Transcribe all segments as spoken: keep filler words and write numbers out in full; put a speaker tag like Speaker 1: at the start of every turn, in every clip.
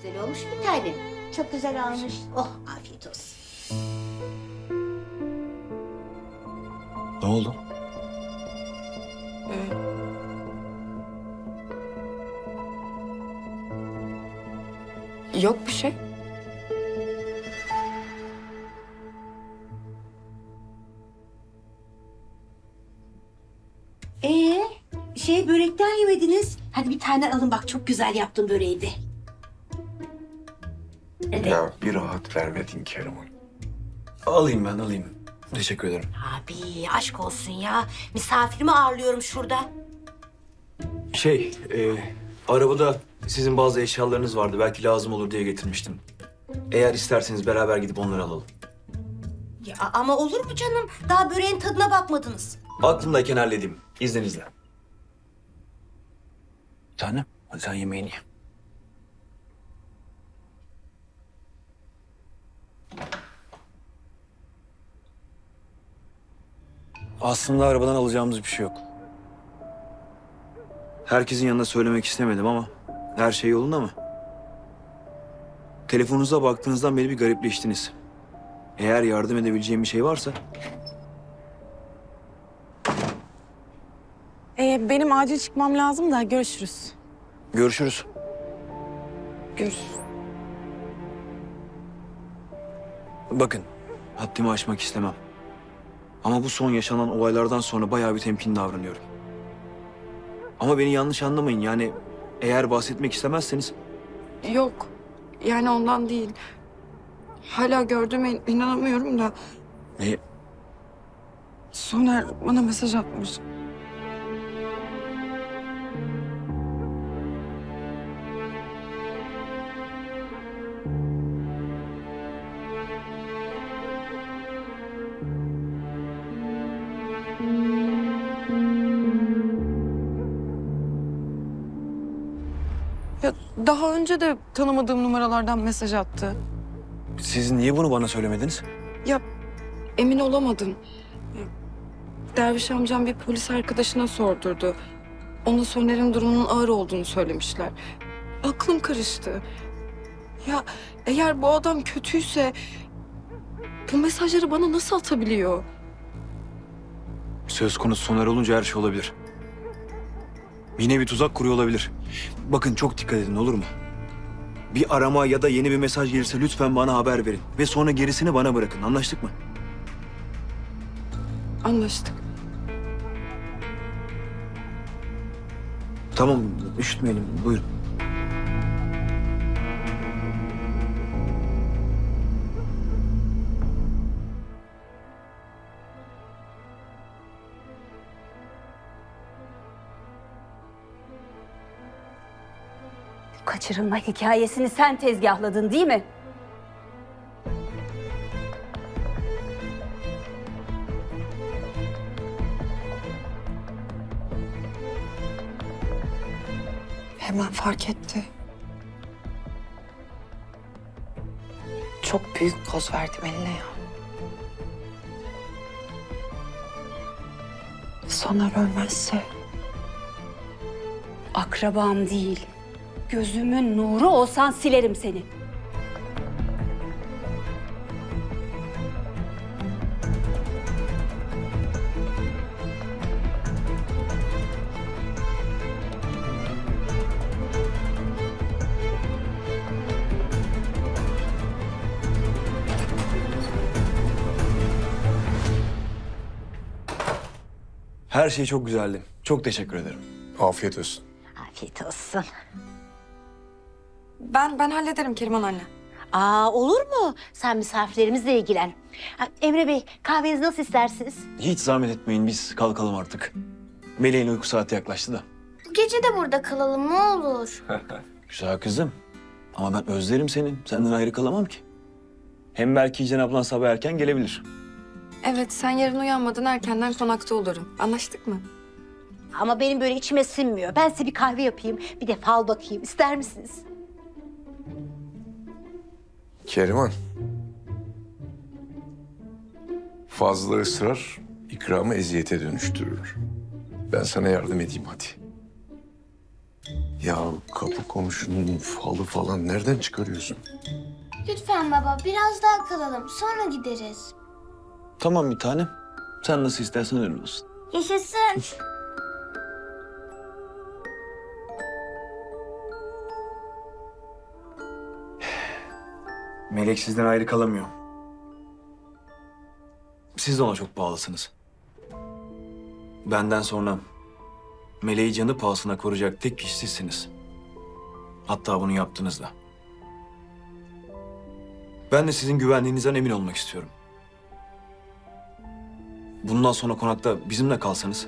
Speaker 1: Güzel olmuş bir tane.
Speaker 2: Çok güzel olmuş.
Speaker 1: Oh, afiyet olsun.
Speaker 3: Ne oldu?
Speaker 4: Yok bir şey.
Speaker 1: Ee, şey börekten yemediniz. Hadi bir tane alın bak, çok güzel yaptım böreği de. Evet.
Speaker 5: Ya bir rahat vermedin Keriman.
Speaker 3: Alayım ben alayım. Teşekkür ederim.
Speaker 1: Abi aşk olsun ya. Misafirimi ağırlıyorum şurada.
Speaker 3: Şey, e, arabada sizin bazı eşyalarınız vardı. Belki lazım olur diye getirmiştim. Eğer isterseniz beraber gidip onları alalım.
Speaker 1: Ya ama olur mu canım? Daha böreğin tadına bakmadınız.
Speaker 3: Aklımdayken halledeyim. İzninizle. Tanem, hadi sen yemeğini ye. Aslında arabadan alacağımız bir şey yok. Herkesin yanında söylemek istemedim ama her şey yolunda mı? Telefonunuza baktığınızdan beri bir garipleştiniz. Eğer yardım edebileceğim bir şey varsa
Speaker 4: Ee, benim acil çıkmam lazım da görüşürüz.
Speaker 3: görüşürüz.
Speaker 4: Görüşürüz.
Speaker 3: Bakın, haddimi aşmak istemem. Ama bu son yaşanan olaylardan sonra bayağı bir temkinli davranıyorum. Ama beni yanlış anlamayın. Yani eğer bahsetmek istemezseniz
Speaker 4: Yok. Yani ondan değil. Hala gördüğüme inanamıyorum da
Speaker 3: ne,
Speaker 4: Soner bana mesaj atmış. Ya daha önce de tanımadığım numaralardan mesaj attı.
Speaker 3: siz niye bunu bana söylemediniz?
Speaker 4: Ya emin olamadım. Derviş amcam bir polis arkadaşına sordurdu. Ona Soner'in durumunun ağır olduğunu söylemişler. Aklım karıştı. Ya eğer bu adam kötüyse bu mesajları bana nasıl atabiliyor?
Speaker 3: Söz konusu Soner olunca her şey olabilir. Yine bir tuzak kuruyor olabilir. Bakın çok dikkat edin, olur mu? Bir arama ya da yeni bir mesaj gelirse lütfen bana haber verin. Ve sonra gerisini bana bırakın. Anlaştık mı?
Speaker 4: Anlaştık.
Speaker 3: Tamam, üşütmeyelim. Buyurun.
Speaker 2: Kaçırılma hikayesini sen tezgahladın değil mi?
Speaker 4: Hemen fark etti. Çok büyük poz verdim eline ya. Soner ölmezse
Speaker 2: Akrabam değil. Gözümün nuru olsan silerim seni.
Speaker 3: Her şey çok güzeldi. Çok teşekkür ederim.
Speaker 5: Afiyet olsun.
Speaker 1: Afiyet olsun.
Speaker 4: ben ben hallederim Keriman anne.
Speaker 1: Aa, olur mu? Sen misafirlerimizle ilgilen. Ha, Emre Bey, kahvenizi nasıl istersiniz?
Speaker 3: Hiç zahmet etmeyin, biz kalkalım artık. Meleğin uyku saati yaklaştı da.
Speaker 6: Bu gece de burada kalalım ne olur.
Speaker 3: Güzel kızım. Ama ben özlerim seni. Senden ayrı kalamam ki. Hem belki Cenab ablan sabah erken gelebilir.
Speaker 4: Evet sen yarın uyanmadan erkenden konakta olurum. Anlaştık mı?
Speaker 1: Ama benim böyle içime sinmiyor. Ben size bir kahve yapayım, bir de fal bakayım. İster misiniz?
Speaker 5: Keriman. Fazla ısrar ikramı eziyete dönüştürür. Ben sana yardım edeyim hadi. Ya kapı komşunun falı falan nereden çıkarıyorsun?
Speaker 6: Lütfen baba biraz daha kalalım sonra gideriz.
Speaker 3: Tamam bir tanem. Sen nasıl istersen öyle olsun.
Speaker 6: Yaşasın.
Speaker 3: Melek sizden ayrı kalamıyor. Siz de ona çok bağlısınız. Benden sonra Meleği canı pahasına koruyacak tek kişi sizsiniz. Hatta bunu yaptınız da. Ben de sizin güvenliğinizden emin olmak istiyorum. Bundan sonra konakta bizimle kalsanız.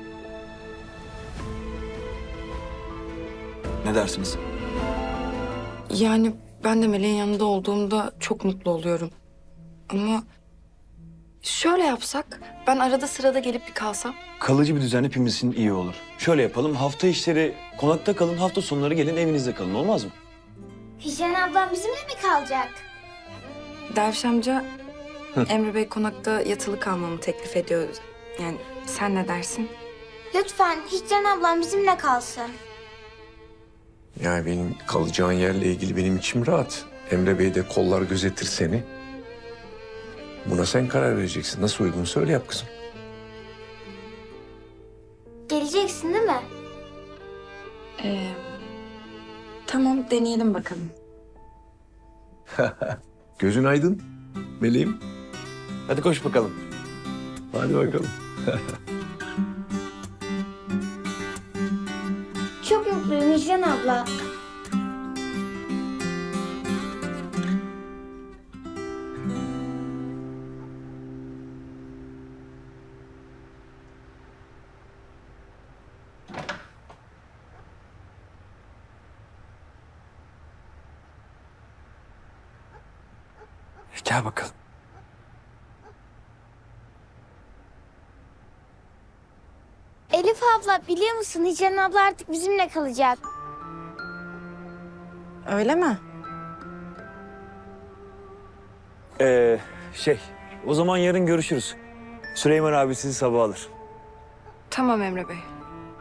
Speaker 3: Ne dersiniz?
Speaker 4: Yani ben de Meleğin yanında olduğumda çok mutlu oluyorum. Ama şöyle yapsak, ben arada sırada gelip bir kalsam.
Speaker 3: Kalıcı bir düzen hepimiz için iyi olur. Şöyle yapalım, hafta işleri konakta kalın, hafta sonları gelin evinizde kalın, olmaz mı?
Speaker 6: Hicran ablam bizimle mi kalacak?
Speaker 4: Derviş amca Emre Bey konakta yatılı kalmamı teklif ediyor. Yani sen ne dersin?
Speaker 6: Lütfen Hicran ablam bizimle kalsın.
Speaker 5: Yani benim kalacağın yerle ilgili benim içim rahat. Emre Bey de kollar gözetir seni. Buna sen karar vereceksin. Nasıl uygun söyle yap kızım.
Speaker 6: Geleceksin değil mi?
Speaker 4: Ee, tamam deneyelim bakalım.
Speaker 5: Gözün aydın meleğim.
Speaker 3: Hadi koş bakalım.
Speaker 5: Hadi bakalım.
Speaker 6: Çok mutluyum Hicran abla.
Speaker 3: Gel bakalım.
Speaker 6: Elif abla biliyor musun Hicran abla artık bizimle kalacak.
Speaker 4: Öyle mi?
Speaker 3: Ee, şey, o zaman yarın görüşürüz. Süleyman abi sizi sabah alır.
Speaker 4: Tamam Emre Bey.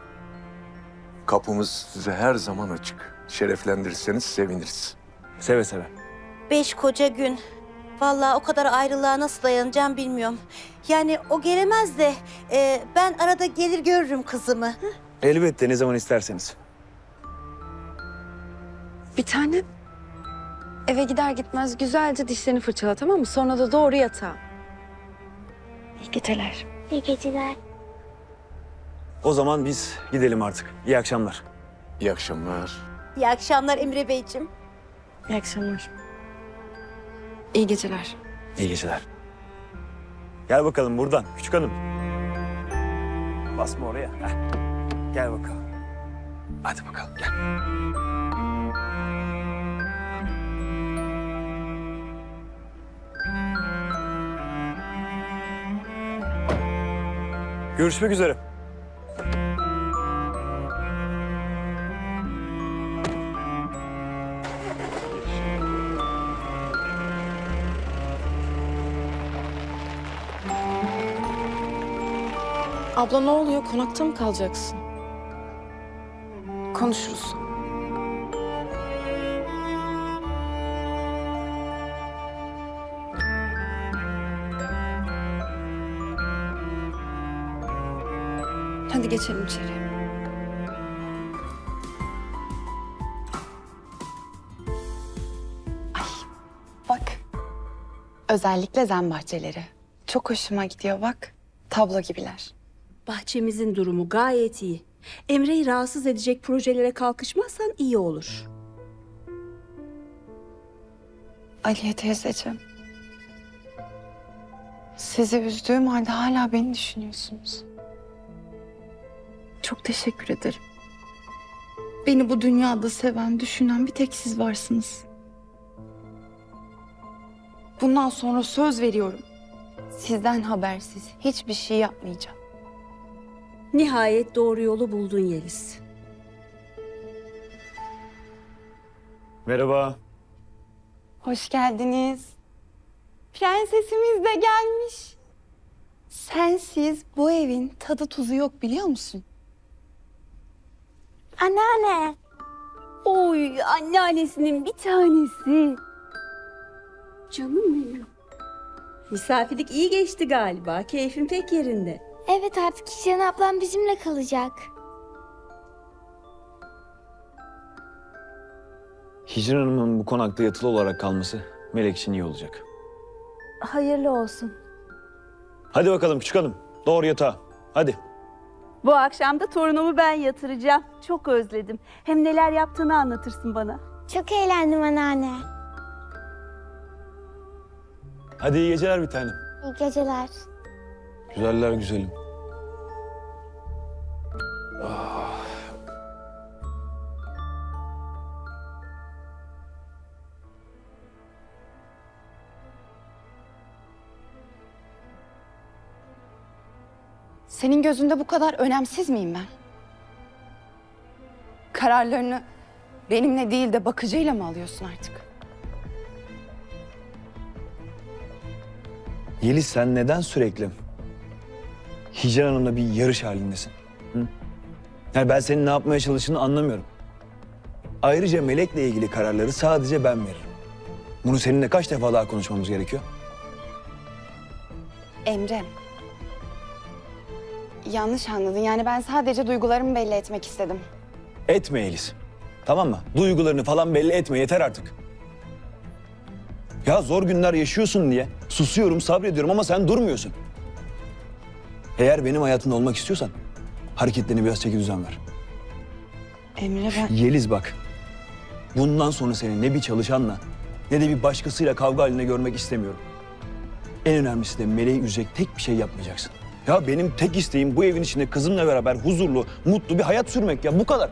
Speaker 5: Kapımız size her zaman açık. Şereflendirirseniz seviniriz.
Speaker 3: Seve seve.
Speaker 1: Beş koca gün. Vallahi o kadar ayrılığa nasıl dayanacağım bilmiyorum. Yani o gelemez de e, ben arada gelir görürüm kızımı.
Speaker 3: Elbette ne zaman isterseniz.
Speaker 2: Bir tane eve gider gitmez güzelce dişlerini fırçala, tamam mı? Sonra da doğru yatağa. İyi geceler.
Speaker 6: İyi geceler.
Speaker 3: O zaman biz gidelim artık. İyi akşamlar.
Speaker 5: İyi akşamlar.
Speaker 1: İyi akşamlar Emre Beyciğim.
Speaker 2: İyi akşamlar.
Speaker 4: İyi geceler.
Speaker 3: İyi geceler. Gel bakalım buradan küçük hanım. Basma oraya. Heh. Gel bakalım. Hadi bakalım gel. Görüşmek üzere.
Speaker 4: Abla ne oluyor? Konakta mı kalacaksın? Konuşuruz. Hadi geçelim içeri.
Speaker 7: Bak. Özellikle zen bahçeleri. Çok hoşuma gidiyor bak. Tablo gibiler.
Speaker 2: Bahçemizin durumu gayet iyi. Emre'yi rahatsız edecek projelere kalkışmazsan iyi olur.
Speaker 7: Aliye teyzeciğim. Sizi üzdüğüm halde hala beni düşünüyorsunuz. Çok teşekkür ederim. Beni bu dünyada seven, düşünen bir tek siz varsınız. Bundan sonra söz veriyorum. Sizden habersiz hiçbir şey yapmayacağım.
Speaker 2: Nihayet doğru yolu buldun Yeliz.
Speaker 3: Merhaba.
Speaker 7: Hoş geldiniz. Prensesimiz de gelmiş. Sensiz bu evin tadı tuzu yok biliyor musun?
Speaker 6: Anneanne
Speaker 8: Oy anneannesinin bir tanesi. Canım benim. Misafirlik iyi geçti galiba. Keyfin pek yerinde.
Speaker 6: Evet artık Hicran ablam bizimle kalacak.
Speaker 3: Hicran Hanım'ın bu konakta yatılı olarak kalması Melek için iyi olacak.
Speaker 1: Hayırlı olsun.
Speaker 3: Hadi bakalım küçük hanım. Doğru yatağa. Hadi.
Speaker 8: Bu akşam da torunumu ben yatıracağım. Çok özledim. Hem neler yaptığını anlatırsın bana.
Speaker 6: Çok eğlendim anneanne.
Speaker 3: Hadi iyi geceler bir tanem.
Speaker 6: İyi geceler.
Speaker 3: Güzeller güzelim.
Speaker 7: Senin gözünde bu kadar önemsiz miyim ben? Kararlarını benimle değil de bakıcıyla mı alıyorsun artık?
Speaker 3: Yeliz sen neden sürekli Hicran Hanım'la bir yarış halindesin? Hı? Yani ben senin ne yapmaya çalıştığını anlamıyorum. Ayrıca Melek'le ilgili kararları sadece ben veririm. Bunu seninle kaç defa daha konuşmamız gerekiyor?
Speaker 7: Emre. Yanlış anladın. Yani ben sadece duygularımı belli etmek istedim.
Speaker 3: Etme Yeliz. Tamam mı? Duygularını falan belli etme yeter artık. Ya zor günler yaşıyorsun diye susuyorum, sabrediyorum ama sen durmuyorsun. Eğer benim hayatımda olmak istiyorsan hareketlerine biraz çeki düzen ver.
Speaker 7: Emre ben...
Speaker 3: Yeliz bak. Bundan sonra seni ne bir çalışanla ne de bir başkasıyla kavga halinde görmek istemiyorum. En önemlisi de Meleği üzecek tek bir şey yapmayacaksın. Ya benim tek isteğim bu evin içinde kızımla beraber huzurlu, mutlu bir hayat sürmek ya bu kadar.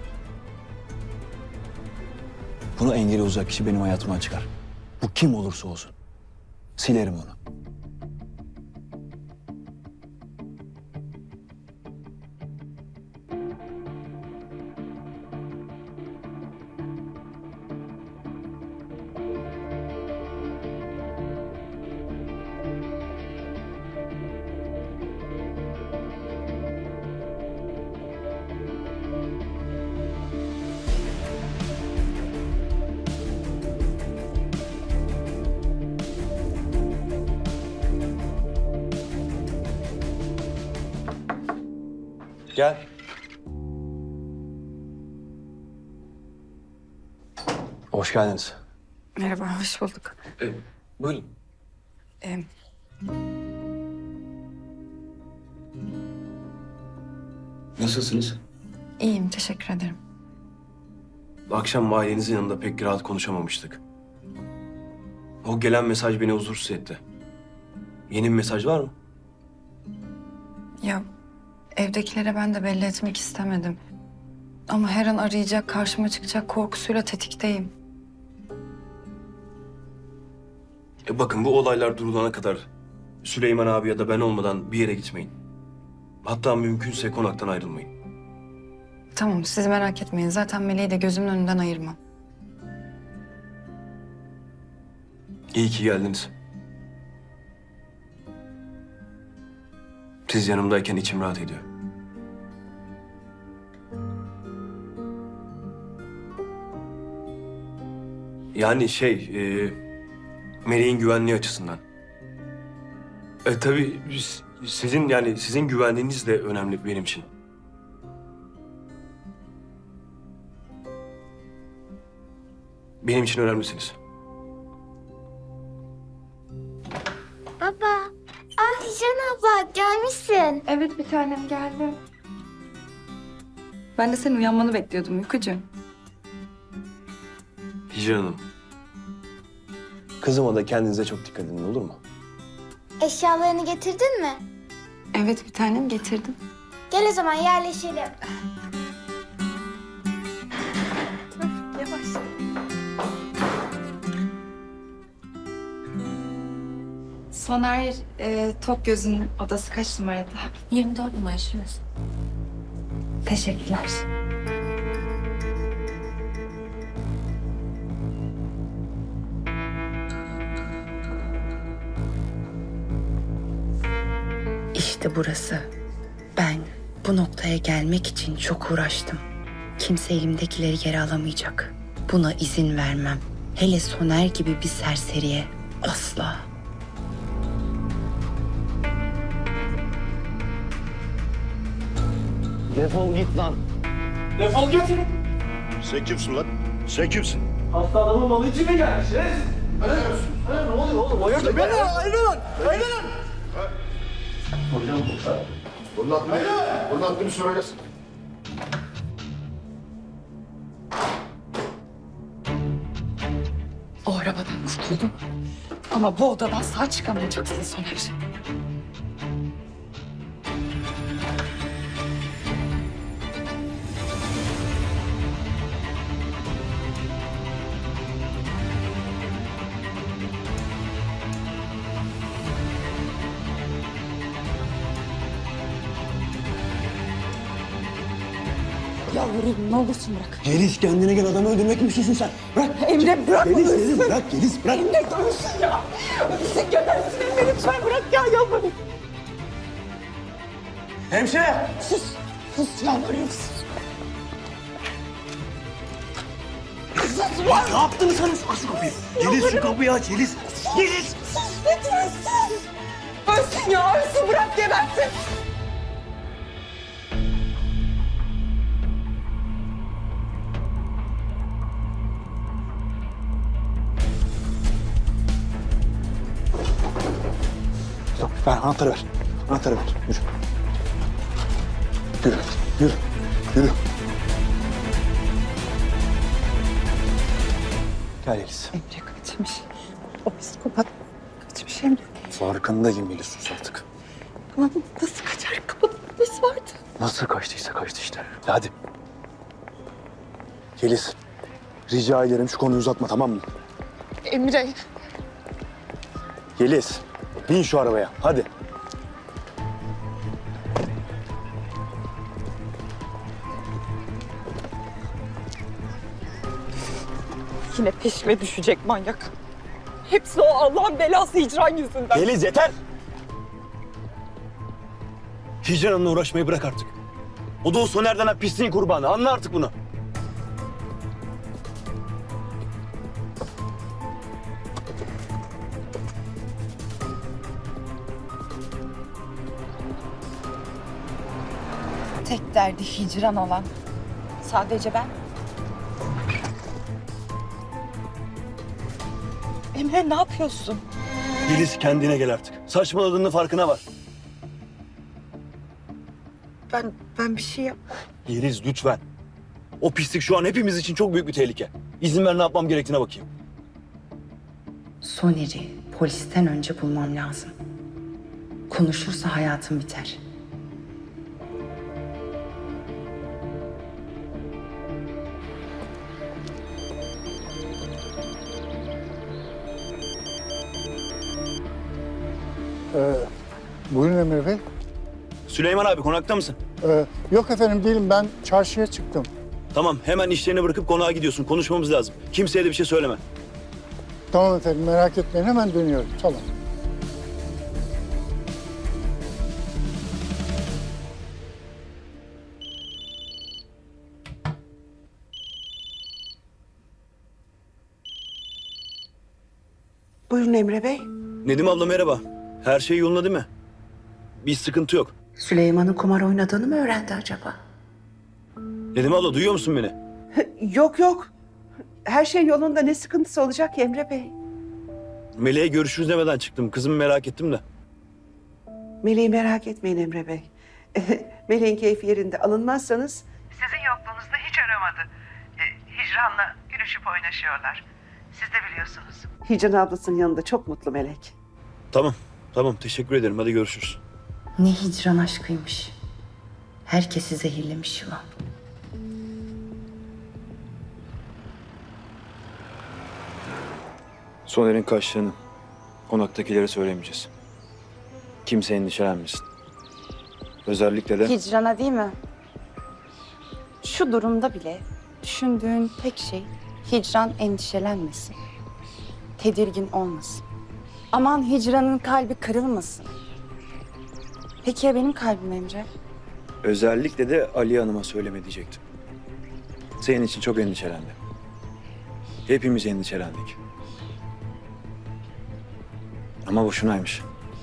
Speaker 3: Bunu engel olacak kişi benim hayatımdan çıkar. Bu kim olursa olsun. Silerim onu. Gel. Hoş geldiniz.
Speaker 4: Merhaba, hoş bulduk.
Speaker 3: Ee, buyurun.
Speaker 4: Ee,
Speaker 3: Nasılsınız?
Speaker 4: iyiyim, teşekkür ederim.
Speaker 9: Akşam ailenizin yanında pek rahat konuşamamıştık. O gelen mesaj beni huzursuz etti. Yeni bir mesaj var mı?
Speaker 4: Ya evdekilere ben de belli etmek istemedim. Ama her an arayacak, karşıma çıkacak korkusuyla tetikteyim.
Speaker 9: E bakın bu olaylar durulana kadar Süleyman abi ya da ben olmadan bir yere gitmeyin. Hatta mümkünse konaktan ayrılmayın.
Speaker 4: Tamam, siz merak etmeyin. Zaten Meleği de gözümün önünden ayırmam.
Speaker 9: İyi ki geldiniz. Siz yanımdayken içim rahat ediyor. Yani şey, e, Meleğin güvenliği açısından. E tabii biz- sizin yani sizin güvenliğiniz de önemli benim için. Benim için önemlisiniz.
Speaker 6: Baba. Ah Hicran abla gelmişsin.
Speaker 4: Evet, bir tanem geldi. Ben de senin uyanmanı bekliyordum uykucu.
Speaker 9: Hicran Hanım. Kızıma da kendinize çok dikkat edin olur mu?
Speaker 6: Eşyalarını getirdin mi?
Speaker 4: Evet, bir tanem getirdim.
Speaker 6: Gel o zaman yerleşelim.
Speaker 4: Yavaş. Soner e, Tokgöz'ün odası kaç numarada?
Speaker 2: yirmi dört numara şurası.
Speaker 4: Teşekkürler.
Speaker 7: İşte burası. Ben bu noktaya gelmek için çok uğraştım.
Speaker 10: Kimse elimdekileri geri alamayacak. Buna izin vermem. Hele Soner gibi bir serseriye asla.
Speaker 3: Defol git lan.
Speaker 9: Defol git.
Speaker 11: Sen kimsin lan? Sen kimsin?
Speaker 9: Hasta adamın malı için mi gelmiş? Ne oluyor oğlum? Hayırdır? Beni ayrılın. Ayrılın.
Speaker 11: Bunun adını, bunun adını söylesin.
Speaker 7: O arabadan kurtuldum. Ama bu odadan sağ çıkamayacaksın Soner.
Speaker 2: Yalvarırım ne olursun bırak.
Speaker 3: Yeliz kendine gel, adamı öldürmek mi istiyorsun sen? Bırak.
Speaker 2: Emre bırak.
Speaker 3: Yeliz, Yeliz bırak, Yeliz bırak.
Speaker 2: Emre dursun ya. Ölsün gebersin Emre lütfen bırak ya yalvarırım.
Speaker 3: Hemşire.
Speaker 2: Sus. Sus yalvarırım sus. Sus var.
Speaker 3: Ne yaptığını sanıyorsun? Aç şu kapıyı. Yeliz şu kapıyı aç, Yeliz. Yeliz.
Speaker 2: Sus lütfen sus. Ölsün ya ölsün bırak gebersin.
Speaker 3: Yok, ver anahtarı ver. Anahtarı ver. Yürü. Yürü. Yürü. Yürü. Gel Yeliz.
Speaker 7: Emre kaçmış. O psikopat kaçmış Emre.
Speaker 3: Farkındayım Yeliz, sus artık.
Speaker 7: Lan nasıl kaçar? Kapıda polis vardı.
Speaker 3: Nasıl kaçtıysa kaçtı işte. Hadi. Yeliz. Rica ederim şu konuyu uzatma, tamam mı?
Speaker 7: Emre.
Speaker 3: Yeliz. Bin şu arabaya. Hadi.
Speaker 2: Yine peşime düşecek manyak. Hepsi o Allah'ın belası hicran yüzünden.
Speaker 3: Yeliz yeter. Hicran'la uğraşmayı bırak artık. O da o Soner'den ha pisliğin kurbanı. Anla artık bunu.
Speaker 10: Tek derdi hicran olan sadece ben.
Speaker 2: Emre ne yapıyorsun?
Speaker 3: Yeliz kendine gel artık. Saçmaladığının farkına var.
Speaker 2: Ben ben bir şey yap.
Speaker 3: Yeliz lütfen. O pislik şu an hepimiz için çok büyük bir tehlike. İzin ver, ne yapmam gerektiğine bakayım.
Speaker 10: Soner'i polisten önce bulmam lazım. Konuşursa hayatım biter.
Speaker 11: Ee, buyurun Emre Bey.
Speaker 3: Süleyman abi, konakta mısın?
Speaker 11: Ee, yok efendim değilim, ben çarşıya çıktım.
Speaker 3: Tamam, hemen işlerini bırakıp konağa gidiyorsun. Konuşmamız lazım. Kimseye de bir şey söyleme.
Speaker 11: Tamam efendim, merak etmeyin, hemen dönüyorum. Tamam.
Speaker 2: Buyurun Emre Bey.
Speaker 3: Nedim abla merhaba. Her şey yolunda değil mi? Bir sıkıntı yok.
Speaker 10: Süleyman'ın kumar oynadığını mı öğrendi acaba?
Speaker 3: Nedim abla, duyuyor musun beni?
Speaker 2: Yok yok. Her şey yolunda, ne sıkıntısı olacak Emre Bey?
Speaker 3: Meleğe görüşürüz demeden çıktım. Kızımı merak ettim de.
Speaker 2: Meleği merak etmeyin Emre Bey. Meleğin keyfi yerinde, alınmazsanız...
Speaker 12: Sizin yokluğunuzda hiç aramadı. E, hicranla gülüşüp oynaşıyorlar. Siz de biliyorsunuz.
Speaker 2: Hicran ablasının yanında çok mutlu Melek.
Speaker 3: Tamam, tamam. Teşekkür ederim. Hadi görüşürüz.
Speaker 10: Ne hicran aşkıymış. Herkesi zehirlemiş yılan.
Speaker 3: Soner'in kaçtığını konaktakilere söylemeyeceğiz. Kimse endişelenmesin. Özellikle de...
Speaker 7: Hicrana değil mi? Şu durumda bile düşündüğün tek şey hicran endişelenmesin. Tedirgin olmasın. Aman hicranın kalbi kırılmasın. Peki ya benim kalbim Emre?
Speaker 3: Özellikle de Ali Hanım'a söyleme diyecektim. Senin için çok endişelendim. Hepimiz endişelendik. Ama boşunaymış.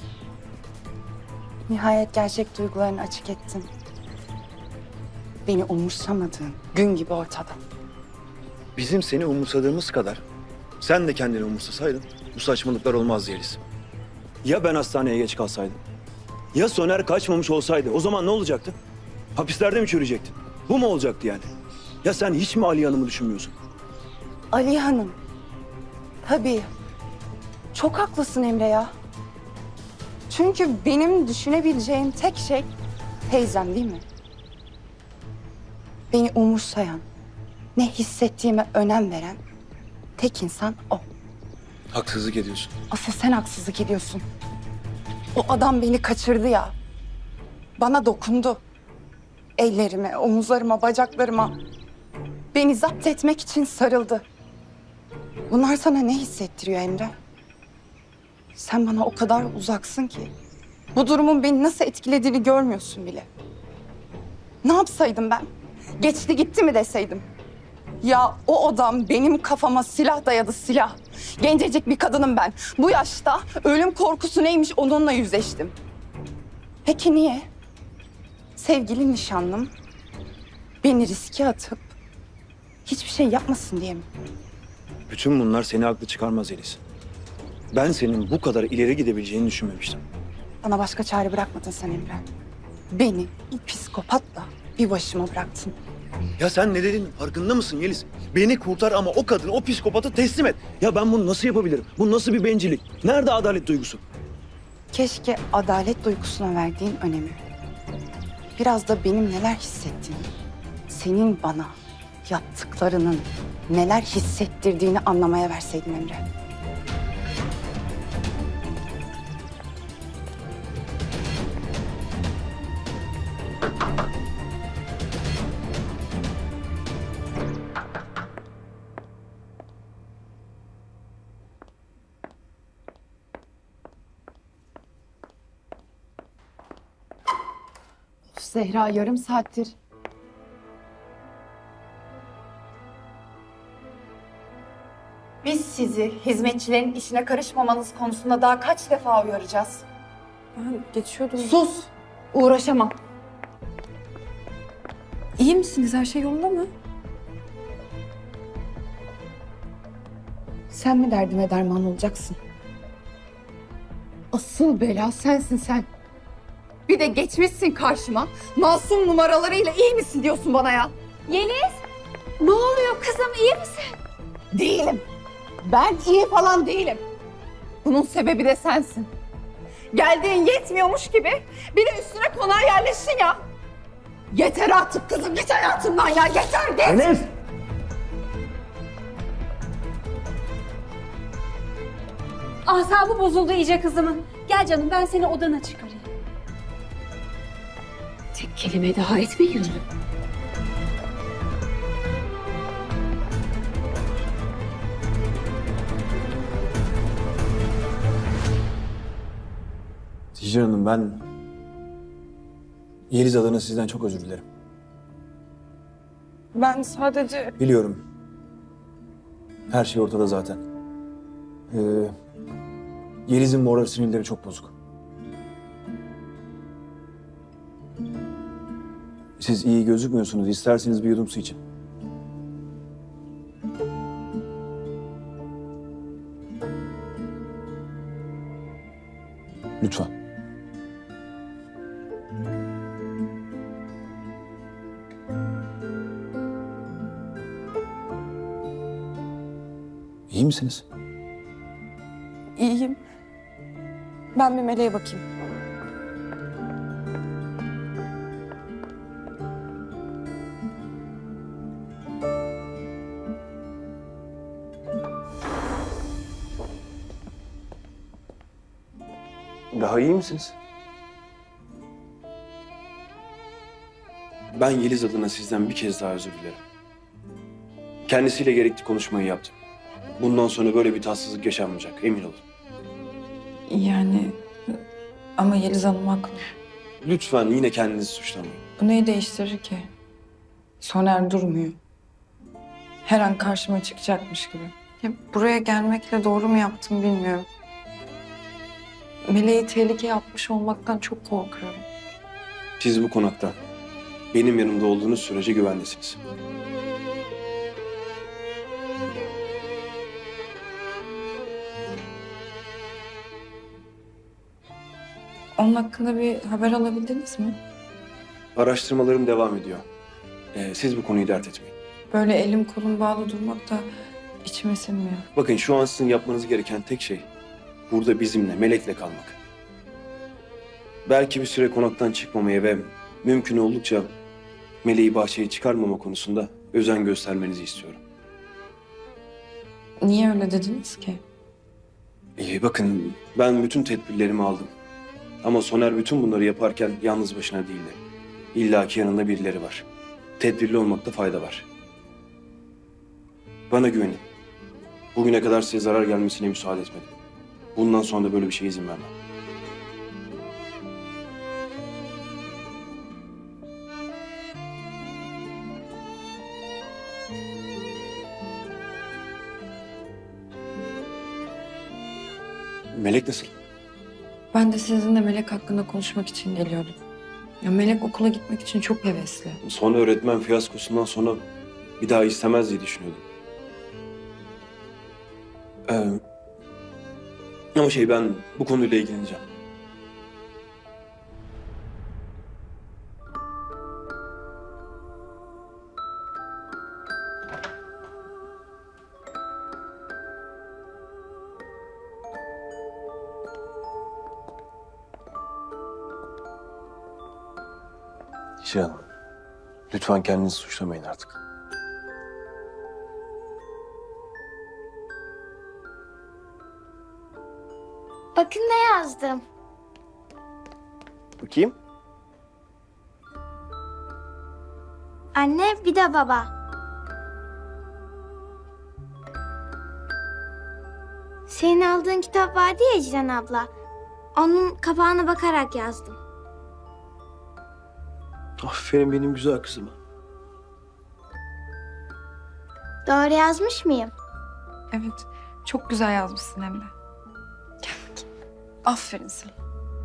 Speaker 7: Nihayet gerçek duygularını açık ettin. Beni umursamadığın gün gibi ortada.
Speaker 3: Bizim seni umursadığımız kadar sen de kendini umursasaydın bu saçmalıklar olmazdı Yeliz. Ya ben hastaneye geç kalsaydım? Ya Soner kaçmamış olsaydı o zaman ne olacaktı? Hapislerde mi çürüyecektin? Bu mu olacaktı yani? Ya sen hiç mi Ali Hanım'ı düşünmüyorsun?
Speaker 7: Ali Hanım. Tabii. Çok haklısın Emre ya. Çünkü benim düşünebileceğim tek şey teyzem değil mi? Beni umursayan, ne hissettiğime önem veren tek insan o.
Speaker 3: Haksızlık ediyorsun.
Speaker 7: Asıl sen haksızlık ediyorsun. O adam beni kaçırdı ya. Bana dokundu. Ellerime, omuzlarıma, bacaklarıma. Beni zapt etmek için sarıldı. Bunlar sana ne hissettiriyor Emre? Sen bana o kadar uzaksın ki. Bu durumun beni nasıl etkilediğini görmüyorsun bile. Ne yapsaydım ben? Geçti gitti mi deseydim? Ya o adam benim kafama silah dayadı, silah. Gencecik bir kadınım ben. Bu yaşta ölüm korkusu neymiş onunla yüzleştim. Peki niye? Sevgili nişanlım beni riske atıp hiçbir şey yapmasın diye mi?
Speaker 3: Bütün bunlar seni haklı çıkarmaz Yeliz. Ben senin bu kadar ileri gidebileceğini düşünmemiştim.
Speaker 7: Bana başka çare bırakmadın sen Emre. Beni bu psikopatla bir başıma bıraktın.
Speaker 3: Ya sen ne dedin farkında mısın Yeliz? Beni kurtar ama o kadını, o psikopatı teslim et. Ya ben bunu nasıl yapabilirim? Bu nasıl bir bencillik? Nerede adalet duygusu?
Speaker 7: Keşke adalet duygusuna verdiğin önemi biraz da benim neler hissettiğimi, senin bana yaptıklarının neler hissettirdiğini anlamaya verseydin Emre. Zehra yarım saattir. Biz sizi hizmetçilerin işine karışmamanız konusunda daha kaç defa uyaracağız?
Speaker 4: Ben geçiyordum.
Speaker 7: Sus! Uğraşamam.
Speaker 4: İyi misiniz? Her şey yolunda mı?
Speaker 7: Sen mi derdime derman olacaksın? Asıl bela sensin sen. Bir de geçmişsin karşıma. Masum numaralarıyla iyi misin diyorsun bana ya?
Speaker 6: Yeliz, ne oluyor kızım, iyi misin?
Speaker 7: Değilim. Ben iyi falan değilim. Bunun sebebi de sensin. Geldiğin yetmiyormuş gibi bir de üstüne konağa yerleştin ya. Yeter artık kızım, git hayatımdan ya, yeter git.
Speaker 3: Enes!
Speaker 8: Asabı bozuldu iyice kızımın. Gel canım, ben seni odana çıkarayım. Tek kelime daha etme, yürü.
Speaker 3: Hicran Hanım ben Yeliz adına sizden çok özür dilerim.
Speaker 4: Ben sadece...
Speaker 3: Biliyorum. Her şey ortada zaten. Ee, Yeliz'in moral sinirleri çok bozuk. Siz iyi gözükmüyorsunuz. İsterseniz bir yudum su için. Lütfen. İyi misiniz?
Speaker 4: İyiyim. Ben bir Meleğe bakayım.
Speaker 3: Daha iyi misiniz? Ben Yeliz adına sizden bir kez daha özür dilerim. Kendisiyle gerekli konuşmayı yaptım. Bundan sonra böyle bir tatsızlık yaşanmayacak, emin olun.
Speaker 4: Yani ama Yeliz Hanım haklı.
Speaker 3: Lütfen yine kendinizi suçlamayın.
Speaker 4: Bu neyi değiştirir ki? Soner durmuyor. Her an karşıma çıkacakmış gibi. Ya buraya gelmekle doğru mu yaptım bilmiyorum. Meleği tehlikeye atmış olmaktan çok korkuyorum.
Speaker 9: Siz bu konakta benim yanımda olduğunuz sürece güvendesiniz.
Speaker 4: Onun hakkında bir haber alabildiniz mi?
Speaker 9: Araştırmalarım devam ediyor. Ee, siz bu konuyu dert etmeyin.
Speaker 4: Böyle elim kolum bağlı durmak da içime sinmiyor.
Speaker 9: Bakın şu an sizin yapmanız gereken tek şey burada bizimle, Melek'le kalmak. Belki bir süre konaktan çıkmamaya ve mümkün oldukça Melek'i bahçeye çıkarmama konusunda özen göstermenizi istiyorum.
Speaker 4: Niye öyle dediniz ki?
Speaker 9: İyi bakın ben bütün tedbirlerimi aldım. Ama Soner bütün bunları yaparken yalnız başına değildi. İlla ki yanında birileri var. Tedbirli olmakta fayda var. Bana güvenin. Bugüne kadar size zarar gelmesine müsaade etmedim. Bundan sonra da böyle bir şeye izin vermem. Melek nasıl?
Speaker 4: Ben de sizinle Melek hakkında konuşmak için geliyordum. Ya Melek okula gitmek için çok hevesli.
Speaker 9: Son öğretmen fiyaskosundan sonra bir daha istemez diye düşünüyordum. Ee, ama şey ben bu konuyla ilgileneceğim. Cihan, lütfen kendinizi suçlamayın artık.
Speaker 6: Bakın ne yazdım.
Speaker 9: Bakayım.
Speaker 6: Anne bir de baba. Senin aldığın kitap vardı ya Ecren abla. Onun kapağına bakarak yazdım.
Speaker 9: Aferin benim güzel kızıma.
Speaker 6: Doğru yazmış mıyım?
Speaker 4: Evet, çok güzel yazmışsın hem de. Aferin sana.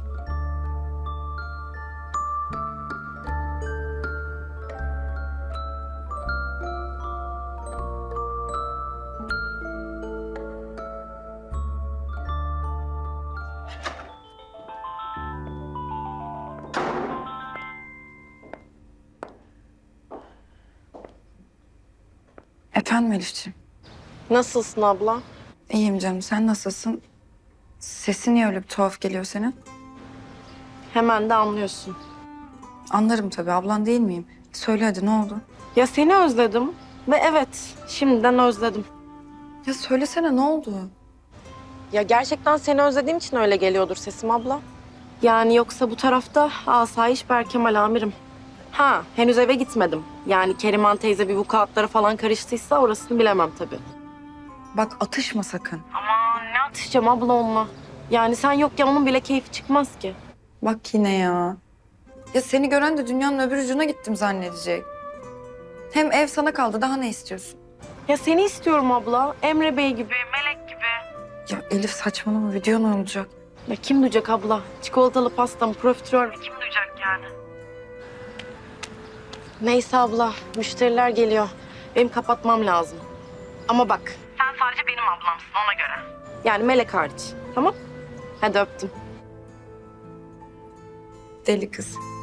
Speaker 4: Efendim Elifciğim.
Speaker 2: Nasılsın abla?
Speaker 4: İyiyim canım, sen nasılsın? Sesin niye öyle bir tuhaf geliyor senin?
Speaker 2: Hemen de anlıyorsun.
Speaker 4: Anlarım tabii, ablan değil miyim? Söyle hadi, ne oldu?
Speaker 2: Ya seni özledim ve evet, şimdiden özledim.
Speaker 4: Ya söylesene, ne oldu?
Speaker 2: Ya gerçekten seni özlediğim için öyle geliyordur sesim abla. Yani yoksa bu tarafta asayiş Berkemal amirim. Ha, henüz eve gitmedim. Yani Keriman teyze bir vukuatlara falan karıştıysa orasını bilemem tabii.
Speaker 4: Bak atışma sakın.
Speaker 2: Aman ne atışacağım abla onunla. Yani sen yokken onun bile keyfi çıkmaz ki.
Speaker 4: Bak yine ya. Ya seni gören de dünyanın öbür ucuna gittim zannedecek. Hem ev sana kaldı, daha ne istiyorsun?
Speaker 2: Ya seni istiyorum abla. Emre Bey gibi, Melek gibi.
Speaker 4: Ya Elif saçmalama, video ne olacak?
Speaker 2: Ya kim duyacak abla? Çikolatalı pastam, profiterol kim duyacak yani? Neyse abla, müşteriler geliyor. Benim kapatmam lazım. Ama bak. Sen sadece benim ablamsın ona göre. Yani Melek hariç. Tamam? Hadi öptüm.
Speaker 4: Deli kız.